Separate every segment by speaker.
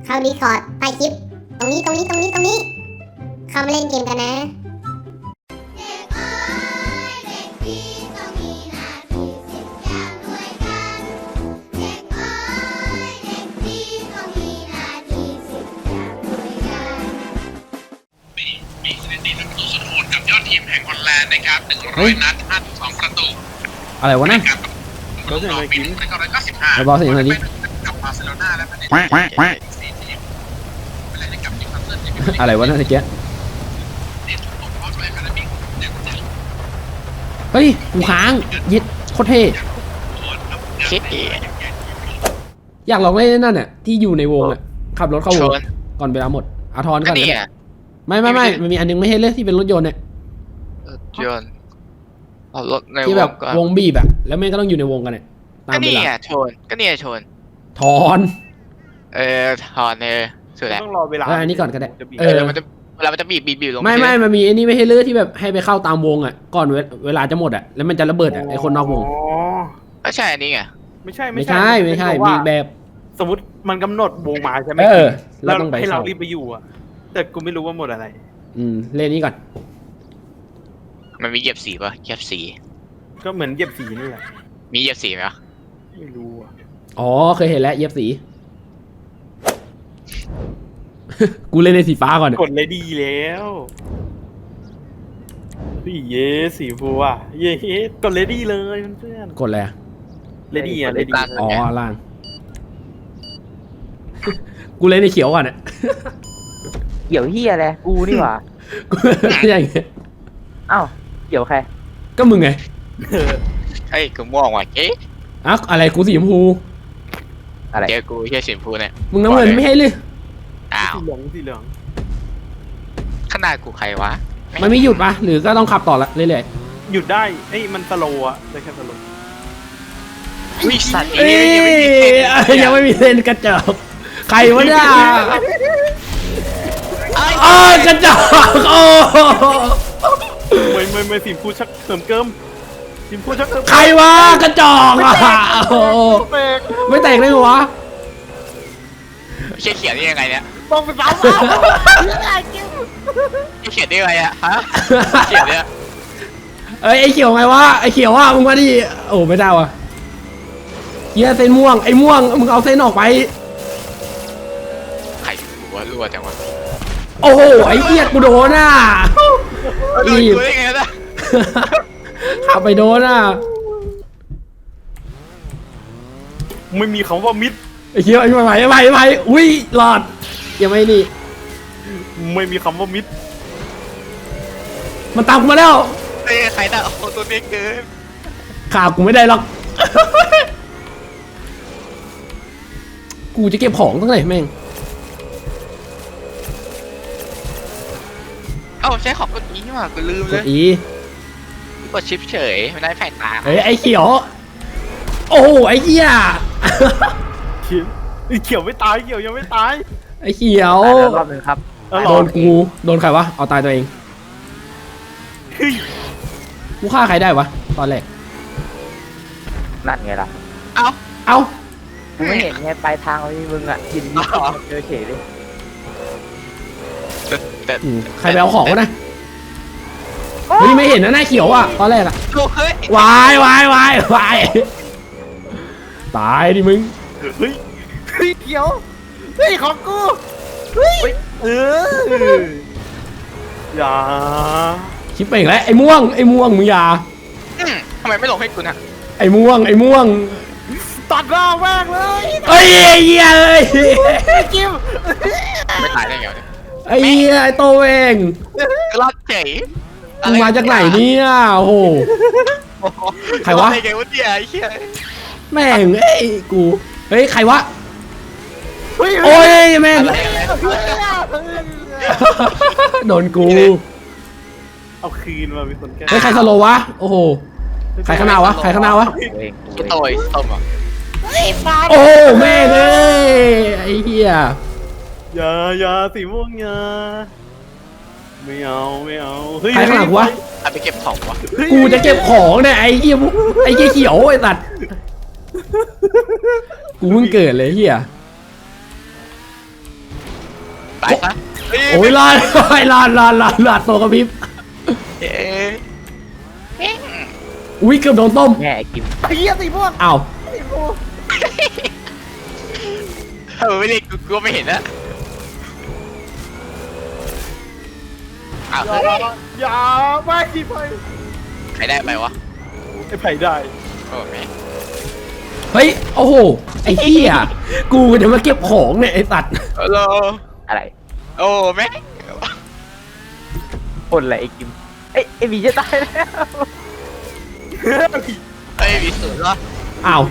Speaker 1: เข้าดีคอร์ดใต้คลิปตรงนี้เข้ามาเล่นเกมกันนะ
Speaker 2: มีสถิติประตูสุดโหดกับยอดทีมแห่งฮอลแลนด์นะครับ100 นัด52 ประตู
Speaker 3: อะไรวะนั่น
Speaker 2: เราจะไปกิน1995
Speaker 3: ไอ้บอสอย่างไรดิ
Speaker 2: กับบาร์เซโลนาและประเทศ4ทีมเวลาได้กับนิวคาสเซิลที่เป็น
Speaker 3: อะไรวะนั่นตะเกีย
Speaker 2: ทีมของพอร์ตแลนด์คาราบิกเดี๋ยวจะ
Speaker 3: เฮ้ยกูค้างยิดโคตรเท่
Speaker 4: คิดอี
Speaker 3: อยากลองเล่นนั่นน่ะที่อยู่ในวงอ่ะขับรถเข้าว
Speaker 4: ช
Speaker 3: ง
Speaker 4: น
Speaker 3: ก่อนเวลาหมดอาทร
Speaker 4: ก็
Speaker 3: ก่อน
Speaker 4: นี่
Speaker 3: เลย
Speaker 4: อ่ะ
Speaker 3: ไม่มันมีอันนึงไม่ให้เลือกที่เป็นรถยนต์เนี่ย
Speaker 4: ยนต์เอารถใน
Speaker 3: ที่
Speaker 4: ว
Speaker 3: แบ
Speaker 4: ง
Speaker 3: บ
Speaker 4: ก่อน
Speaker 3: วงบีบอะแล้วแม่งก็ต้องอยู่ในวงกันเนี่ยตา
Speaker 4: ก็
Speaker 3: มเว
Speaker 4: นี่
Speaker 3: ลา
Speaker 4: อ่ะชนก็นี่ชน
Speaker 3: ถอน
Speaker 4: ถอนสุดแล้ว
Speaker 5: ต้องรอเวลา
Speaker 3: อันนี้ก่อนก็ได้
Speaker 5: จะบีบ
Speaker 3: เออ
Speaker 4: มันจะเวลามันจะบีบลง
Speaker 3: ไม่มันมีไอ้นี่ไม่ให้เลือกที่แบบให้ไปเข้าตามวงอ่ะก่อนเวลาจะหมดอ่ะแล้วมันจะระเบิดอ่ะไอ้คนนอกวง
Speaker 5: อ๋อ
Speaker 4: ก็ใช่อันนี้ไง
Speaker 5: ไม่ใช่
Speaker 3: ไม่ใช่มี
Speaker 5: ว่า
Speaker 3: แบบ
Speaker 5: สมมติมันกำหนดวงมาใช่ไหม
Speaker 3: เราต้องไป
Speaker 5: ให้เรา
Speaker 3: เข้า
Speaker 5: รีบไปอยู่อ่ะ แต่กูไม่รู้ว่าหมดอะไร
Speaker 3: เล่นนี้ก่อน
Speaker 4: มันมีเหยียบสีป่ะเหยียบสี
Speaker 5: ก็เหมือนเหยียบสีนี่แหละ
Speaker 4: มีเหยียบสีไหมวะ
Speaker 5: ไม่รู้อ่ะ
Speaker 3: อ๋อเคยเห็นแล้วเย็บสี กูเล่นในสีฟ้าก่อน
Speaker 5: กดเลยดีแล้วพี่เยสีฟูอ่ะเย้กดเลยดีเลยเพื่อน
Speaker 3: กดอะไรอะ
Speaker 5: เลยดีอ่ะเลยดี
Speaker 3: อ๋อล่าง กูเล่นในเขียวก่อนอ่ะ
Speaker 6: เกี่ยวเฮียอะไรกูนี่หว่า
Speaker 3: กูอย่างเงี้ย
Speaker 6: อ้าวเกี่ยวใคร
Speaker 3: ก็มึงไง
Speaker 4: เฮ้ยกูม่วงว่ะเอ๊ะ
Speaker 3: อ่ะอะไรกูสีชมพู
Speaker 6: อะไร
Speaker 4: เจอกูเฮียสีชมพูเนี่ย
Speaker 3: มึงน้ำเงินไม่ให้เลย
Speaker 4: อ้าว
Speaker 5: สีเหลือง
Speaker 4: ขนาดกูใครวะ
Speaker 3: มันไม่หยุดปะหรือก็ต้องขับต่อละเรื่อย
Speaker 5: หยุดได้เอ้ยมันสโลว์อ่ะได้แค่สโลว์
Speaker 4: วิสัตว์
Speaker 3: ๆเอ้ยยังไม่มีเส้นกระจอกใครวะเนี่ยอ้ากระจอกโอ้
Speaker 5: ไม่สีฟูชักเติมเกิมสีฟูชักเติม
Speaker 3: ใครวะกระจอกอ่ะโอ้ไม่แตกได้เหรอวะ
Speaker 4: เขียนได้ยังไงเนี่ย
Speaker 5: ต้องไปซ้ำ
Speaker 4: เขียนได้ยังไงอะฮะเขียนเนี่ย
Speaker 3: เอ้ยไอ้เขียวไงวะไอ้เขียวว่ะมึงมาดิโอ้ไม่ได้วะเฮียเส้นม่วงไอ้ม่วงมึงเอาเส้นออกไป
Speaker 4: ใครกูว่ารั่วจังวะ
Speaker 3: โอ้โหไอ้เหี้ยกูโดนอ่ะ
Speaker 4: โดนกูได้ไงนะ
Speaker 3: ขับไปโดนอ่ะ
Speaker 5: ไม่มีคำว่ามิด
Speaker 3: ไอ้เขียวไอ้ไหวอุ้ยหลอดยังไม่นี่
Speaker 5: ไม่มีคำว่ามิด
Speaker 3: มันตามกูมาแล้ว
Speaker 4: เอ้ยใครน่ะโอ้ตัวนี้เกิน
Speaker 3: ขากูไม่ได้หรอก กูจะเก็บของตั้งไหนแม่ง
Speaker 4: เอ้าใช้ของกดอีนี่หว่ากูลืม
Speaker 3: ก
Speaker 4: เล
Speaker 3: ด
Speaker 4: ย
Speaker 3: อี
Speaker 4: กดชิปเฉยไม่ได้แฝงตา
Speaker 3: เฮ้ยไอ้เขียว โอ้โหไอ้เหี้ย
Speaker 5: เขียวไม่ตายเขียวยังไม่ตาย
Speaker 3: ไอ้เขียว
Speaker 6: ตายแล้วรอบนึงครับ
Speaker 3: โดนกูโดนใครวะเอาตายตัวเองกูฆ่าใครได้วะตอนแรก
Speaker 6: นั่นไงล่ะ
Speaker 4: เอ้า
Speaker 3: เอ้า
Speaker 6: กูไม่เห็นไงปลายทางไอ้มึงอ่ะยินดีเจอเฉยเลย
Speaker 4: แต่
Speaker 3: ใครไปเอาของวะนะเฮ้ยไม่เห็นนะหน้าเขียวอ่ะตอนแรกอะ
Speaker 4: เฮ้ยว
Speaker 3: ายตายดิมึง
Speaker 5: เฮ้ยเขียวเฮ้ยของกูเฮ้ยอย่า
Speaker 3: ชิปเป่งแล้วไอ้ม่วงมึงอย่า
Speaker 4: ทำไมไม่ลงให้กูนะ
Speaker 3: ไอ้ม่วง
Speaker 5: ตัดหน้าแม่งเลย
Speaker 3: เอ้ยไอ้เหี้ยเอ้ย
Speaker 5: กิ้ว
Speaker 4: ไม่ตายได้ไงวะเนี่ย
Speaker 3: ไอ้เหี้ยไอ้โตเอง
Speaker 4: ก็รอดเฉย
Speaker 3: มึงมาจากไหนเนี่ยโอ้โห ใครวะ
Speaker 4: ไอ้ไงวะเนี่ยไอ้เหี้ย
Speaker 3: แม่งเอ้ยกูเฮ้ยใครวะ
Speaker 5: เฮ้ย
Speaker 3: โอ้ยแม่ง
Speaker 4: อะไร
Speaker 3: โดนกู
Speaker 5: เอาคืนมามีคนแก้
Speaker 3: เฮ้ยใครสโลว์วะโอ้โหใครข้างหน้าวะ
Speaker 6: กูเองกู
Speaker 4: กู
Speaker 6: เอง
Speaker 4: โตยต้มอ่ะ
Speaker 3: โอ้แม่งเอ้ยไอ้เหี้ย
Speaker 5: อย่าสีม่วงอย่าไม่เอาเฮ้ย
Speaker 3: ใครข้างหลังวะ
Speaker 4: เอาไปเก็บของวะ
Speaker 3: กูจะเก็บของเนี่ยไอ้เหี้ยเขียวไอ้สัตว์กูเพิ่งเกิดเลยเหี้ย
Speaker 4: ตายซะ
Speaker 3: โอ้ยลาดตัวกระพริบ
Speaker 4: เอ๊ะ
Speaker 3: อุ้ยเกือบโดนต้ม
Speaker 6: แง่ไอ้กิม
Speaker 5: ไอ้เหี้ยสีม่วง
Speaker 3: อ้าว
Speaker 5: สีม่วง
Speaker 4: ไม่เรียกกูไม่เห็นนะอ้าว
Speaker 5: อย่าไม่ที่ไผ่
Speaker 4: ใครได้ไปวะ
Speaker 5: ไอ้ไผ่ได้
Speaker 4: โอ้แม่
Speaker 3: เฮ้ยโอ้โหไอ้เหี้ยกูจะมาเก็บของเนี่ยไอ้สัตว์
Speaker 4: ฮัลโหล
Speaker 6: อะไร
Speaker 4: โอ้แม่
Speaker 6: คนอะไรไอ้กิมไอ้หมีจะตายแล้ว
Speaker 4: เฮ้ยมีสูตรวะ
Speaker 3: อ้าว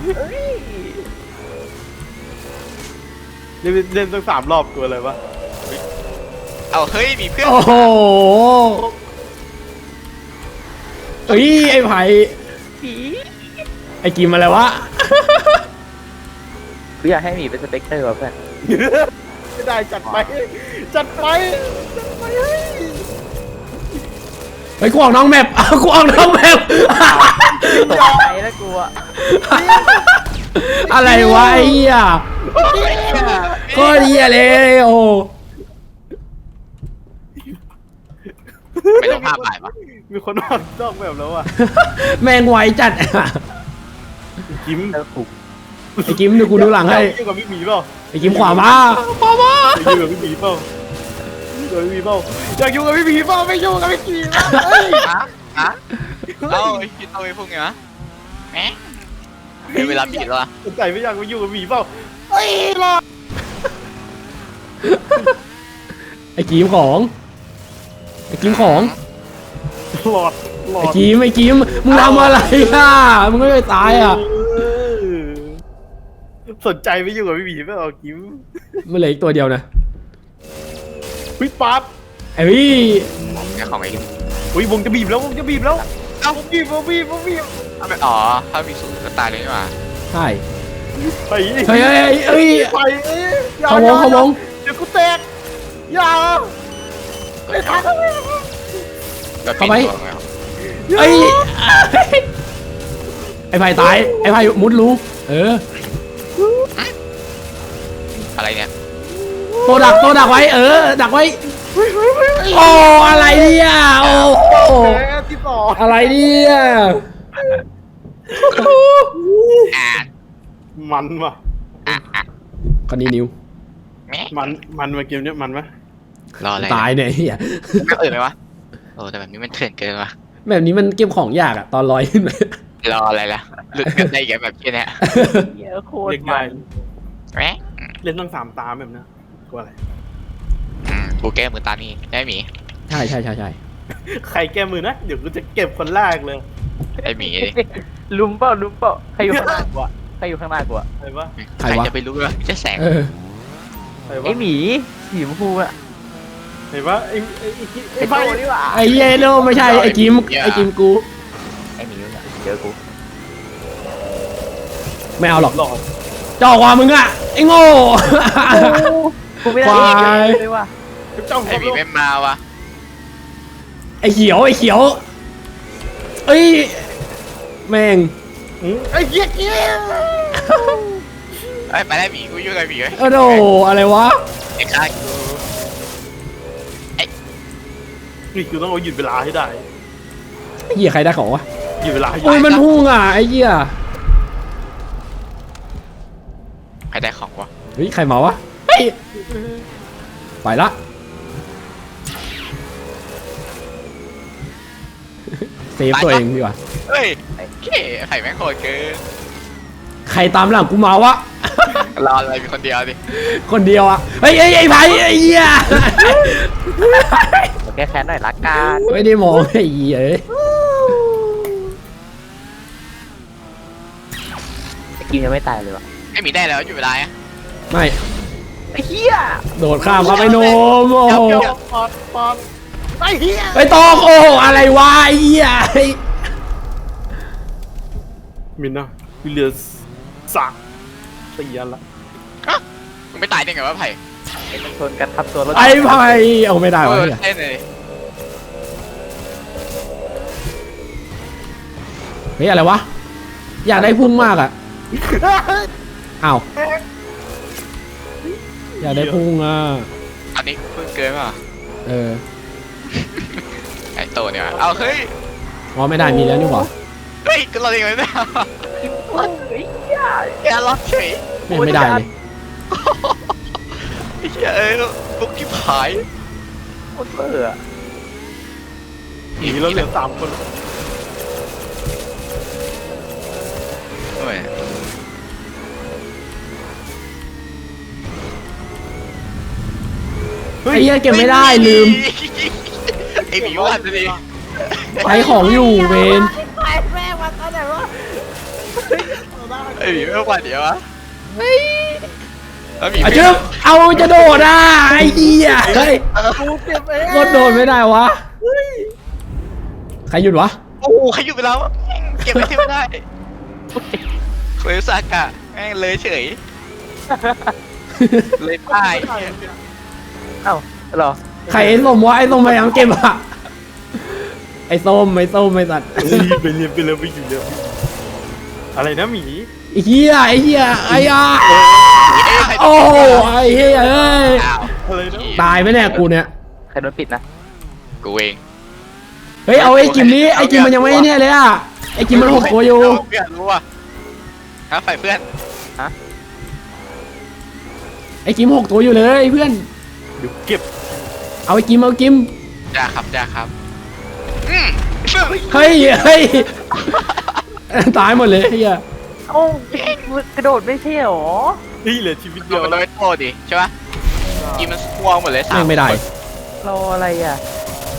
Speaker 5: เล่นตั้ง3 รอบตัวอะไรวะ
Speaker 4: เอาเฮ้ยมีเพื่อน
Speaker 3: โอ้โหเฮ้ยไอ้ไผ่ไอ้กิมอะไรวะ
Speaker 6: กูอยากให้หมีเป็นสเปกเตอร์ว่ะเพื่อน
Speaker 5: ไม่ได้จัดไปจัดไป
Speaker 3: เฮ้ยกูออกน้องแมปกูออกน้องแมป
Speaker 6: ตกใจแล้วกูอะ
Speaker 3: อะไรวะไอ้เหี้ยโคตรเหี้ยเลยโอ้
Speaker 4: ไม่ต้องภาพถ่ายปะ
Speaker 5: มีคนออกนอกแบบแล้วอ่ะ
Speaker 3: แม่งไวจัด
Speaker 5: กิม
Speaker 6: แล้วถูก
Speaker 3: ไอ้กิมเดี๋ยวกูดูหลังให้
Speaker 5: อยู่กับพี่หมีเปล่า
Speaker 3: ไอ้กิมขวามาขวามา
Speaker 5: อยู่กับพี่หมีเปล่าอยู่กับพี่หมีเปล่าอยากอยู่กับพี่หมีเปล่าไม่อยู่กับพี่หมีเปล่าเฮ้ย
Speaker 4: ฮะเอาคิดเอาไอ้พวกไงวะแหมเวลาบีดแล้ว
Speaker 5: สนใจไม่อยากมาอยู่กับหมีเปล่าเฮ้ยรอ
Speaker 3: ไอ้กิมของไอ้กิมของ
Speaker 5: หลอด
Speaker 3: ไอ้กิมมึงทำอะไรอ่ะมึงไม่ไปตายอ่ะ
Speaker 5: สนใจไม่อยู่กับพี่หมีเปล่ากิม
Speaker 3: มันเหลืออีกตัวเดียวนะ
Speaker 5: วิปั๊บ
Speaker 3: ไอ้พี่
Speaker 4: แค่ของไอ้
Speaker 5: อุ้ยวงจะบีบแล้ววงจะบีบแล้ว
Speaker 4: เอ้า
Speaker 5: วงบีบวงบีบวงบีบ
Speaker 4: อ๋อถ้ามีสูตรก็ตายเลยนี่หว่า
Speaker 3: ใช่
Speaker 5: ไป
Speaker 3: เฮ้ยเฮ้ย
Speaker 5: ไปอย่
Speaker 3: เขาวงเขาวง
Speaker 5: เดี๋ยวกูแตกอย่า
Speaker 4: ก็ทักก็ปิดตัวไง
Speaker 3: เอ้ยไอ้ไผ่ตายไอ้ไผ่มุดรูเออ
Speaker 4: อะไรเนี่ย
Speaker 3: ตัวดักไว้เออดักไว้โอ้อะไรเนี่ยโอ้
Speaker 5: แตกที่สอง
Speaker 3: อะไรเนี่ย
Speaker 4: อ่า
Speaker 5: มันว่ะ
Speaker 3: คนนี้นิว
Speaker 4: แม่
Speaker 5: มันมาเกมเนี้ยมันไหม
Speaker 4: รออะไร
Speaker 3: ตายเนี่ยเฮีย
Speaker 4: ไม่เอ่ยไหมวะโอ้แต่แบบนี้มันเถื่อนเกินว่ะ
Speaker 3: แบบนี้มันเก็บของยากอะตอนลอยขึ้นไป
Speaker 4: รออะไรล่ะหลุดกันได้แกแบบนี้เนี่ย
Speaker 6: เหี้ยโคต
Speaker 5: เล็
Speaker 6: ร
Speaker 5: ก
Speaker 6: มั
Speaker 5: ใหญ่
Speaker 6: น
Speaker 4: แม่
Speaker 5: เล่นตั้ง3 ตาแบบเนี้ยกลัวอะไร
Speaker 4: กูแก้มือตานี่ได้หมี
Speaker 3: ใช่
Speaker 5: ใครแก้มือนะ เดี๋ยวกูจะเก็บคนแรกเลย
Speaker 4: ไอ้หมีดิ
Speaker 6: ลุมเปล่าใครอยู่ข้างหน้ากูอะใครอยู่ข้างหน้ากูอะ
Speaker 5: ใครวะ
Speaker 4: ใครจะไปรู้ว่าจะแสง
Speaker 3: เออ
Speaker 5: ใครวะ
Speaker 6: ไอ้หมีสีชมพูอะ
Speaker 5: ใครวะไอ้
Speaker 6: ไอ้
Speaker 5: ไฟ
Speaker 6: โตนี่หว่า
Speaker 3: ไอ้เยโนไม่ใช่ไอ้กิมกู
Speaker 6: ไอ้หมีเนี่ยเจอกู
Speaker 3: ไม่เอาหรอก
Speaker 5: หลอด
Speaker 3: จ่อกว่ามึงอะไอ้โง่
Speaker 6: กูไม่ได้
Speaker 3: ควาย
Speaker 6: เลยว่ะ
Speaker 5: จ้อง
Speaker 4: ไอ้หมีไม่มาวะ
Speaker 3: ไอ้เขียวเอ้ยแม่ง
Speaker 5: ไอ้เหี้ยเกี้ย
Speaker 4: ไอ้ไปได้หมีกูยุ่งกับหมีไว้
Speaker 3: โอ้โหอะไรวะ
Speaker 4: ไอ้ข้ากู
Speaker 5: นี่กูต้องเอาหยุดเวลาให้ได้
Speaker 3: เหี้ยใครได้ของวะ
Speaker 5: หยุดเวลาให้
Speaker 3: โอ้ยมันพุ่งอ่ะไอ้เหี้ย
Speaker 4: ใครได้ของวะ
Speaker 3: เฮ้ยใครมาวะเฮ้ยไปละเซฟตัวเองดีกว่า
Speaker 4: เฮ้ยเก๋ไข่แม่งโหดเกิน
Speaker 3: ใครตามหลังกูมาวะ
Speaker 4: รออะไรมีคนเดียวดิ
Speaker 3: คนเดียวอ่ะเฮ้ยไอ้ไผ่ไอ้เหี้ย
Speaker 6: เดี๋ยวแก้แค้นหน่อยละกัน
Speaker 3: ไม่ได้มองไอ้เหี้ยเอ้ย
Speaker 6: ไอ้กิมยังไม่ตายเลยว่ะ
Speaker 4: ไอ้หมีได้แล้วอยู่เวลาอ่ะ
Speaker 3: ไม่
Speaker 6: ไอ้เหี้ย
Speaker 3: โดดข้ามครับไอ้โนมโอ้โห
Speaker 5: ปอดไอ้เหี้ย
Speaker 3: ไอ้ตองโอ้โหอะไรวะไอ้เหี้ย
Speaker 5: มินนะวิลเลียสสักตีอันละ
Speaker 4: มึงไม่ตายได้ไงวะไผ่
Speaker 6: ไอ้มันชนกันทับตัวรถ
Speaker 3: ไอ้ไผ่เอาไม่ได้วะเนี่ย
Speaker 4: เต้นเลย
Speaker 3: เฮ้ยอะไรวะอยากได้พุ่งมากอ่ะอ้าวอยากได้พุ่งอ่ะ
Speaker 4: อันนี้เพิ่งเกินป่ะ
Speaker 3: เออ
Speaker 4: ไอ้โตเนี่ยว่ะเอาเฮ้ย
Speaker 3: อ๋อไม่ได้มีแล้วนี่หว่า
Speaker 4: เฮ้ยก็เราเองไม่ได้แกล็อกเฉย
Speaker 3: ไม่ได้เลย
Speaker 4: ไอ้เหี้ยเอ้ยลุกที่ผาย
Speaker 6: โคตรเบื่อ
Speaker 5: หนีเราเหลือ3 คน
Speaker 4: โอ้ย
Speaker 3: ไอ้เหี้ยเก็บไม่ได้ลืม
Speaker 4: ไอ้หมีวันดิ
Speaker 3: ใช้ของอยู่เวน
Speaker 4: ไอ้หมีไม่วันเดี๋ยววะแล้วหมี
Speaker 3: อ่ะจึ๊บเอาจะโดดอ่ะไอ้เหี้ยเฮ้ย
Speaker 6: กูเก็บเอง
Speaker 3: กดโดดไม่ได้วะใครหยุดวะ
Speaker 4: โอ้โหใครอยู่ไปแล้วเก็บไม่ที่ไม่ได้เคยซากะแม่งเลยเฉยเลยป้าย
Speaker 6: เอ้าเหรอ
Speaker 3: ใครไอ้ส้มวะไอ้ส้มพยายามเก็บอะไอ้ส้มไอ้สัตว์
Speaker 5: ไปเรียนไปเลยไปอยู่เลยอะไรนะหมี
Speaker 3: ไอ้เหี้ยไอ้อ่ะโอ้โหไอ้เหี้ยเอ้ย
Speaker 4: อ้าว
Speaker 5: อะไรนะ
Speaker 3: ตายไหมเนี่ยกูเนี่ย
Speaker 6: ใครโดนปิดนะ
Speaker 4: กูเอง
Speaker 3: เฮ้ยเอาไอ้กิมนี้ไอ้กิมมันยังไม่เนี่ยเลยอ่ะไอ้กิมมัน6 ตัวอยู่
Speaker 4: เพื่อนรู้อ่ะฮะฝ่ายเพื่อน
Speaker 3: ไอ้กิม6 ตัวอยู่เลยเพื่อน
Speaker 5: เดี๋ยวเก็บ
Speaker 3: เอาไอ้กิม
Speaker 4: จ้าครับ
Speaker 3: เฮ้ยตายหมดเลยไอ้เหี้ย
Speaker 6: เอ้มึงกระโดดไม่ใช่หรอ
Speaker 5: นี่เหลือชีวิต
Speaker 4: โด
Speaker 5: เดียวน
Speaker 4: โดนโทษดิใช่ปะกินมันพวงหมดเลยสา
Speaker 3: แม่
Speaker 4: ม
Speaker 3: งไม่ได้
Speaker 6: รออะไรอ่ะ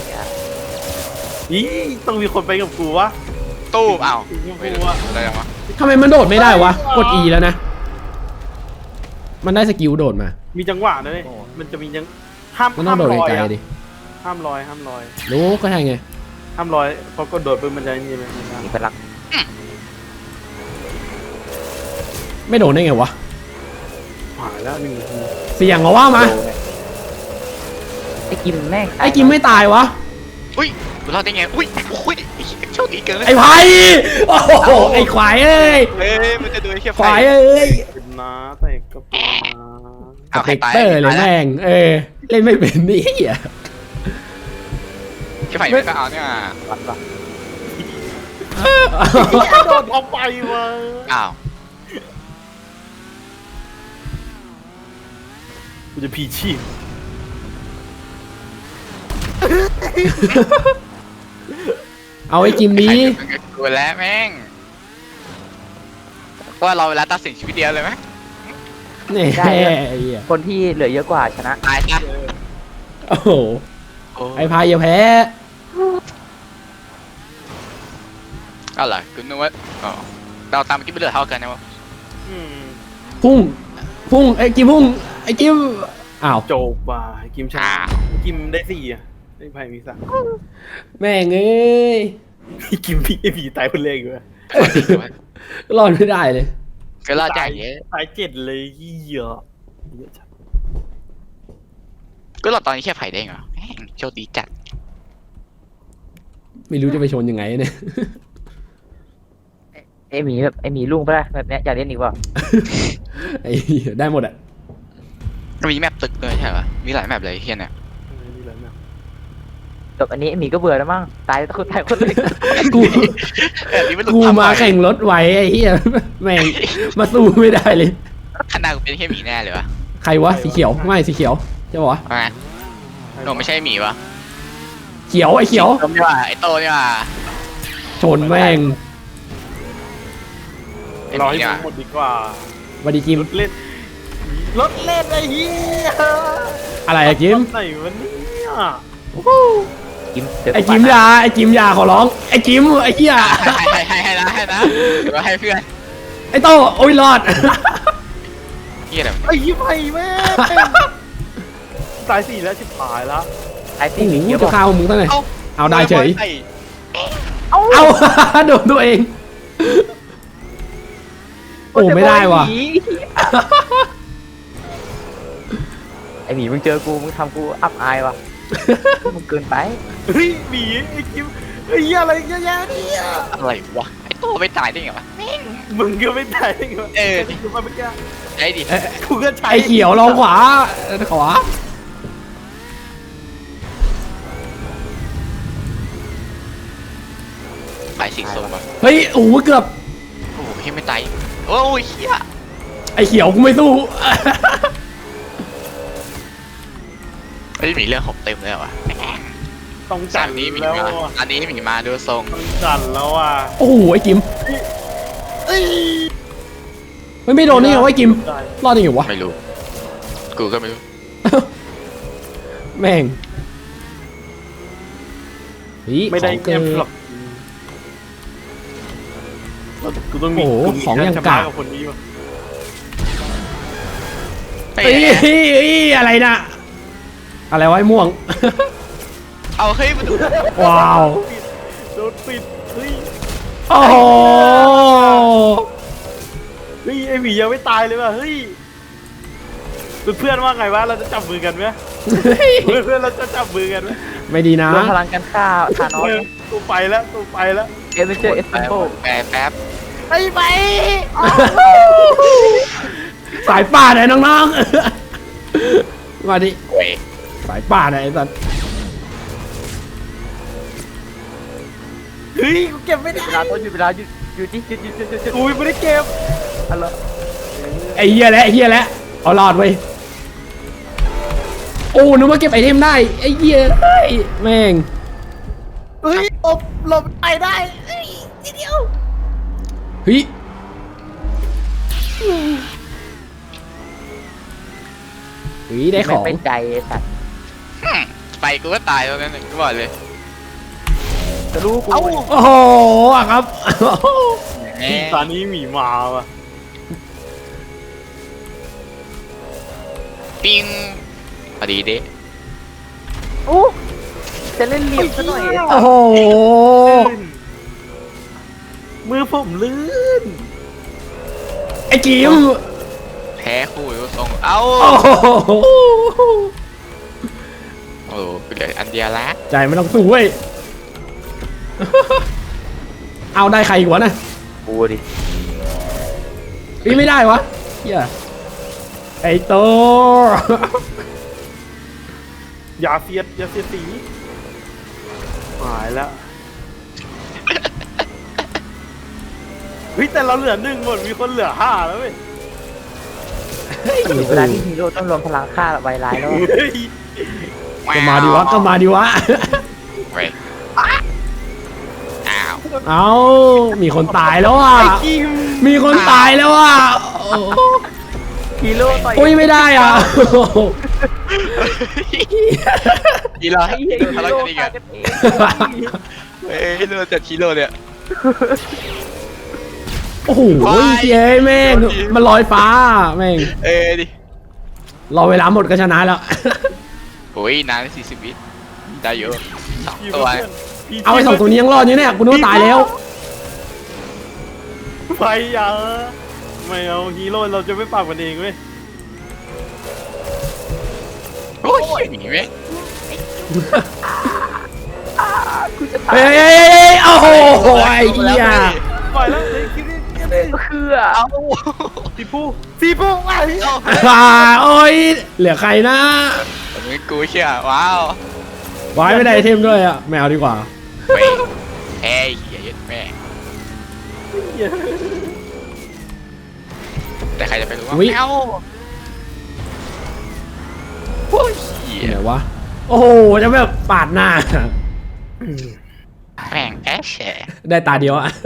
Speaker 5: นี่ต้องมีคนไปกับกูวะ
Speaker 4: ตู้อ้าว
Speaker 5: กู
Speaker 4: ไม่
Speaker 5: ไม่
Speaker 4: รู้
Speaker 5: รู้
Speaker 4: ว่า
Speaker 5: อะ
Speaker 4: อะไรวะ
Speaker 3: ทำไมมันโดดไม่ได้วะกด E แล้วนะมันได้สกิลโดดมา
Speaker 5: มีจังหวะด้วยมันจะมีห้าม
Speaker 3: มันต้องโดด
Speaker 5: ลอย
Speaker 3: ไกล
Speaker 5: อะ
Speaker 3: ๆดิ
Speaker 5: ห้ามลอย
Speaker 3: รู้ก็ใช่ไง
Speaker 5: ห้ามลอยพอกดโดดปุ๊บมันจะนี่เลย
Speaker 6: มีพลัง
Speaker 3: ไม่โดดได้ไงวะ
Speaker 5: หายแล้ว1 นาที
Speaker 3: เสี่ยงเหรอว่ามา
Speaker 6: ไอ้กิมแม่ง
Speaker 3: ไอ้กิมไม่ตายวะ
Speaker 4: อุ้ยกูรอดได้ไงอุ้ยโชคดีเกินเลย
Speaker 3: ไอ้ไผ่โอ้โหไอ้ควายเอ้ย
Speaker 4: เฮ้ยมันจะดูไอ้เขี้ย
Speaker 3: ควายเอ้ย
Speaker 5: เป็นน้าแต่ก็เป็นน้า
Speaker 3: สเปกเตอร์เลยแม่งเล่นไม่เป็นนี่เหี้ย
Speaker 4: เขี้ยไผ่ไม่ก็เอาเนี่ย
Speaker 6: วัดปะ
Speaker 5: โดดเอาไปวะ
Speaker 4: อ้าว
Speaker 5: กูจะพีชีพ
Speaker 3: เอาไอ้กิมนี้
Speaker 4: กูแล้วแม่งก็เราเวลาตัดสินชีวิตเดียวเลยไหม
Speaker 3: นี่ไอ้เหี้ย
Speaker 6: คนที่เหลือเยอะกว่าชนะ
Speaker 4: ตายซะ
Speaker 3: โอ้โหไอ้พายอย่าแพ้
Speaker 4: เอาล่ะกูนึกว่าอ๋อเราตามกิ๊บไม่เหลือเท่ากันนะวะ
Speaker 5: อืม
Speaker 3: พุ่งไอ้กิมพุ่งไอ้กิมอ้าว
Speaker 5: โจบว่ะกิมชนะกิมได้4อ่ะไอ้ไผ่มี3
Speaker 3: แม่งเอ้ย
Speaker 5: กิมพี่ไอ้ผีตายคนแรกอยู่อะ
Speaker 3: รอดไม่ได้เลย
Speaker 4: ก็รอดใจเยอะ
Speaker 5: ตาย7เลยเหี้ยจัด
Speaker 4: ก็รอดตอนนี้แค่ไผ่ได้เหรอแม่งโชคดีจัด
Speaker 3: ไม่รู้จะไปชนยังไงเนี่ย
Speaker 6: ไอ้หมีแบบไอ้หมีลุงปะล่ะแบบเนี้ยอยากเล่นอีกเปล่า
Speaker 3: ไอ้เหี้ยได้หมดอ่ะ
Speaker 4: มีแมปตึกด้วยใช่ปะมีหลายแมปเลยเฮียเนี่ย
Speaker 5: นี่แหละนะ
Speaker 6: แบบอันนี้ไอ้หมีก็เบื่อแล้วมั้งตายคนเลย
Speaker 3: กู
Speaker 4: นี่มันหลุด
Speaker 3: กู
Speaker 4: ทำ
Speaker 3: มา
Speaker 4: ไ
Speaker 3: แข่งรถไหวไอ้เหี้ยแม่งมาสู้ไม่ได้เลย
Speaker 4: ขนาดกูเป็นแค่หมีแน่เลยวะ
Speaker 3: ใครวะสีเขียวไม่สีเขียวใช่ปะวะ
Speaker 4: ว่าไงโนไม่ใช่หมีวะ
Speaker 3: เขียวไอ้เขียว
Speaker 4: โตนี่ว่ะไอโตนี่ว่ะ
Speaker 3: ชนแม่ง
Speaker 4: ไอห
Speaker 5: รอ
Speaker 4: มี
Speaker 5: ให้
Speaker 4: นี่
Speaker 5: มั
Speaker 4: ว่ะ
Speaker 5: นหมดดีกว่า
Speaker 3: วันดีจิม
Speaker 5: รถเล่นไอ้เหี้ย
Speaker 3: อะไรอะจิม
Speaker 5: ไหนวะเนี่ย
Speaker 6: กิม
Speaker 3: ไอ้จิมยาขอร้องไอ้จิมไอ้เหี้ย
Speaker 4: ให้นะเดี๋ยวให้เพื่อน
Speaker 3: ไอ้โตโอ้ยรอด
Speaker 4: เฮียแบบ
Speaker 5: ไอ้ยี่ไผ่แม่งตาย4แล้วชิบหายแล้ว
Speaker 6: ไอ้
Speaker 3: โอ้
Speaker 6: ที่หมี
Speaker 3: โห
Speaker 6: เยอะ
Speaker 3: จะ
Speaker 6: กว่า
Speaker 3: ฆ่ามึงตั้งไหนเอาได้เฉย
Speaker 6: เอ้า
Speaker 3: เอา โดนตัวเอง โอ้ไม่ได้ว่ะ
Speaker 6: ไอ้หมีมึงเจอกูมึงทำกูอับอายว่ะมึงเกินไป
Speaker 5: เฮ้ยหมีไอ้กิมไอ้เหี้ยอะไรเยอะแยะเนี่ย
Speaker 4: อะไรวะไอโตไม่ตายได้ไงวะ
Speaker 5: มึงก็ไม่ได้ไงวะ
Speaker 4: เออ
Speaker 5: กูมาเมื่อกี้
Speaker 4: ไอ้ดิ
Speaker 5: กูก็ใช้
Speaker 3: ไอ้เขียวลองขวา
Speaker 4: ายสีส้มป่ะ
Speaker 3: เฮ้ยโอ้โหเกือบ
Speaker 4: โอ้โหพี่ไม่ตายโอ้ยเฮีย
Speaker 3: ไอ้เขียวกูไม่สู้
Speaker 4: เฮ้ยหมีเรื่องหกเต็มเลยว่ะ
Speaker 5: ต้อง
Speaker 4: จา
Speaker 5: จั
Speaker 4: น
Speaker 5: ด
Speaker 4: นี้หมี
Speaker 5: แล้ว
Speaker 4: มา
Speaker 5: อะ
Speaker 4: อันนี้หมีมาดูทรง
Speaker 5: ต้องจัดแล้วอ่ะ
Speaker 3: โอ้โหไอ้กิมไม่โดนนี่เหรอวะไอ้กิมรอดยังไงวะ
Speaker 4: ไม่รู้กูก็ไม่รู้
Speaker 3: แม่งเฮ้ย
Speaker 5: ไม่ได้
Speaker 3: ของเกิ
Speaker 5: เก็
Speaker 3: น
Speaker 5: บหรอกกูต้องมี
Speaker 3: โอ้โห
Speaker 5: กูมี
Speaker 3: ของอย่าง
Speaker 5: ชนะ
Speaker 3: กาก
Speaker 5: กับคนนี้วะ
Speaker 4: เฮ้
Speaker 3: เฮ้ย
Speaker 4: ย
Speaker 3: เฮ้ยอะไรนะอะไรวะไอ้ม่วง
Speaker 4: เอาเฮ้ยมาดู
Speaker 3: ว้าว
Speaker 5: โดนปิดเฮ้ย
Speaker 3: โอ้โห
Speaker 5: เฮ้ยไอหมียังไม่ตายเลยว่ะเฮ้ยเพื่อนว่าไงวะเราจะจับมือกันไหมเพื่อนเราจะจับมือกันไหม
Speaker 3: ไม่ดีนะ
Speaker 6: รวมพลังกันฆ่าธานอส
Speaker 5: กูไปแล้วกูไปแล้ว
Speaker 6: เอเวนเจอร์เอสเซนโ
Speaker 4: แป๊บ
Speaker 5: ไปไป
Speaker 3: สายป่าไหนน้องๆ มาดิ
Speaker 4: เว้ย
Speaker 3: สายป่าไหนไอ้สัส
Speaker 5: เฮ้ยกูเก็บไม่ได้
Speaker 6: เวลาต้นหยุดเวลาหยุดหยุด
Speaker 5: กูไม่ได้เก็บ
Speaker 6: อะไร
Speaker 3: ไอ้เหี้ยแล้วไอ้เหี้ยแล้วเอารอดเว้ยโอ้นึกว่าเก็บไอเทมได้ไอ้เหี้ยเฮ้ยแม่ง
Speaker 5: เฮ้ยหลบไปได้เฮ้ยทีเดียว
Speaker 3: เฮ้ยเฮ้ยได้ของ
Speaker 6: ไม่เป็นใจไอ้สัตว์
Speaker 4: ไปกูก็ตายแล้วนั่นกูบอกเลย
Speaker 6: จะรู้กู
Speaker 3: โอ้โหอะครับ
Speaker 4: แหม
Speaker 5: ตอนนี้หมีมาว่ะ
Speaker 4: ปิ้งพอดีเด้
Speaker 6: โอ้จะเล่นเหลี่ยมซะหน่อย
Speaker 3: โอ้โห
Speaker 5: มือผมลื่น
Speaker 3: ไอ้กิม
Speaker 4: แพ้คู่ดูทรงเอ้า
Speaker 3: โอ้โห
Speaker 4: โอ้โหเหลืออันเดียวละ
Speaker 3: ใจไม่ต้องสู้เว้ย เอาได้ใครอีกวะนะ
Speaker 6: กูดิ
Speaker 3: พี่ไม่ได้วะเฮียไอ้โต
Speaker 5: อย่าเสียดสีหายแล้วเฮ้ยแต่เราเหลือ1หมดมีคนเหลือ5แล้วเว้ย
Speaker 6: เวลาที่ฮีโร่ต้องรวมพลังฆ่าไวร้ายแล้ว
Speaker 5: เฮ้ย
Speaker 3: ก็มาดิวะก็มาดิวะ
Speaker 4: เว้ยอ้าว
Speaker 3: เอามีคนตายแล้วอ่ะ
Speaker 5: ไอ้กิม
Speaker 3: มีคนตายแล้วอ่ะโอ้
Speaker 6: ฮีโร่ต่อย
Speaker 3: โอ้ยไม่ได้อ่ะ
Speaker 4: ฮีโร่
Speaker 6: ไอ้เหี้ย
Speaker 4: ฮี
Speaker 6: ฮี
Speaker 4: โร่
Speaker 6: โร่
Speaker 4: กันอีก
Speaker 6: ฆ่า
Speaker 4: อ่ะ
Speaker 6: กันเอง
Speaker 4: เอ้ยเรือจัดฮีโร่เนี่ย
Speaker 3: โอ้โหเย้แม่งมันลอยฟ้าแม่ง
Speaker 4: เอ้ยดิ
Speaker 3: รอเวลาหมดก็ชนะแล้ว
Speaker 4: โอ้ยนาน40 วิได้เยอะ2 ตัว
Speaker 3: เอาไอ้2 ตัวนี้ยังรอดอยู่เนี่ยกูนึกว่าตายแล้ว
Speaker 5: ไปอย่าไม่เอาฮีโร่เราจะไม่ปากมันเองเว้ย
Speaker 4: โอ้ยหนีไหม
Speaker 6: กูจะ
Speaker 3: เฮ้
Speaker 6: ตาย
Speaker 3: ยโอ้โหไอ้เหี้ย
Speaker 5: ปล่อยแล้วเลยคิดดิคิดดิ
Speaker 6: คือ
Speaker 4: เอา
Speaker 5: สีฟูไป
Speaker 3: โอ้ยเหลือใครนะ
Speaker 4: มึงกูเชื่อว้าว
Speaker 3: วายไม่ได้ไอเทมด้วยอ่ะไม่เอาดีกว่า
Speaker 4: เว้ยแพ้เหี้ยเย็ดแม่แต่ใครจะไปรู้ว่า
Speaker 3: อุ๊ย
Speaker 4: แมวโอ้ยเหี้ย
Speaker 3: ไหนวะโอ้โหจะแบบปาดหน้า
Speaker 4: แม่งแอะแฉะ
Speaker 3: ได้ตาเดียวอ่ะ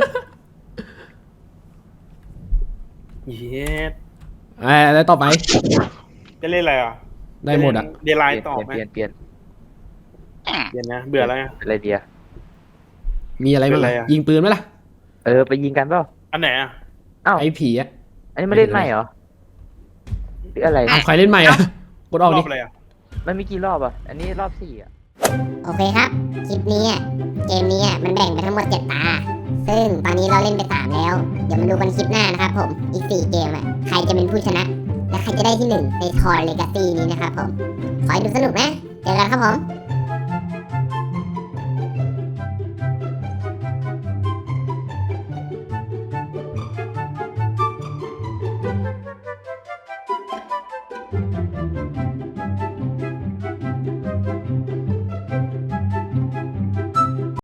Speaker 5: เย็ด
Speaker 3: แล้วต่อไป
Speaker 5: จะเล่นอะไรอ่ะ
Speaker 3: ได้หมดอ่ะ
Speaker 5: เดลายต่อไหม
Speaker 6: เปลี่ยน
Speaker 5: เย็นนะเบื่อแล้วไง
Speaker 6: อะไรเดีย
Speaker 3: มีอะไรบ้าง
Speaker 5: เป็นไรอะ
Speaker 3: ยิงปืนไหมล่ะ
Speaker 6: ไปยิงกันเปล่า
Speaker 5: อันไหนอ่ะ
Speaker 6: อ้าว
Speaker 3: ไอ้ผีอ่ะ
Speaker 6: อันนี้ไม่เล่นใหม่เหรอหรืออะไร
Speaker 3: เอาใครเล่นใหม่อ่ะกดออก
Speaker 5: ร
Speaker 3: ดิ
Speaker 5: อบอะไรอ่ะ
Speaker 6: มันมีกี่รอบอ่ะอันนี้รอบ4อ่ะ
Speaker 1: โอเคครับ คลิปนี้อะเกมนี้อะมันแบ่งไปทั้งหมด7 ตา ซึ่งตอนนี้เราเล่นไป3แล้ว เดี๋ยวมาดูกันคลิปหน้านะครับผม อีก4 เกมอ่ะ ใครจะเป็นผู้ชนะ และใครจะได้ที่ 1 ในทอร์เลกาซี่นี้นะครับผม ขอให้ดูสนุกนะ เจอกันครับผม